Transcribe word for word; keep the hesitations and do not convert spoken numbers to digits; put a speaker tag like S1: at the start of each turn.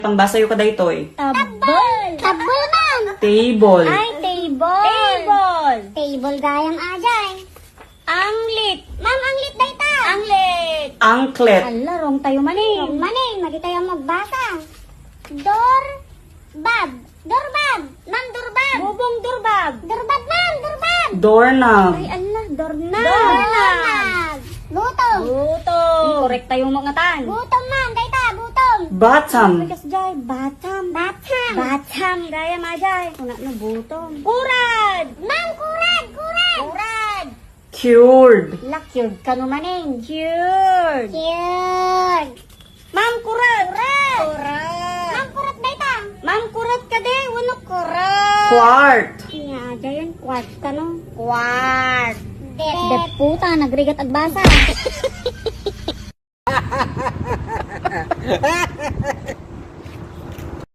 S1: Pangbasa yung kadaytoy.
S2: Tabol. Tabol man.
S1: Table.
S2: Ay, table. Table. Table gayang ajay. Anglit. Ma'am, anglit dayta. Anglit.
S1: Anklet.
S2: Ala, wrong tayo maning. Wrong maning, madi tayo magbasa. Dor. Bab. Dorbab. Ma'am, dorbab. Bubong dorbab. Dorbab, ma'am, dorbab.
S1: Doorknob.
S2: Ay, ala, dornab. Dornab. Butong. Butong. Correct tayo mga tan. Butong, ma'am, dayta, butong.
S1: Bottom.
S2: Bigas jay, batam. Batam. Batam, gaya majay. Una na butong. Kurad. Ma'am, kurad, kurad. Kurad.
S1: Cured.
S2: Lakyod ka numaning. Cured. Cured. Ma'am, kurat. Kurat. Kurat. Ma'am, kurat dayta. Ma'am, kurat ka de. Wano kurat.
S1: Quart.
S2: Nga, dayon, quart ka no. Quart. Det. Det puta, nagrigat agbasa.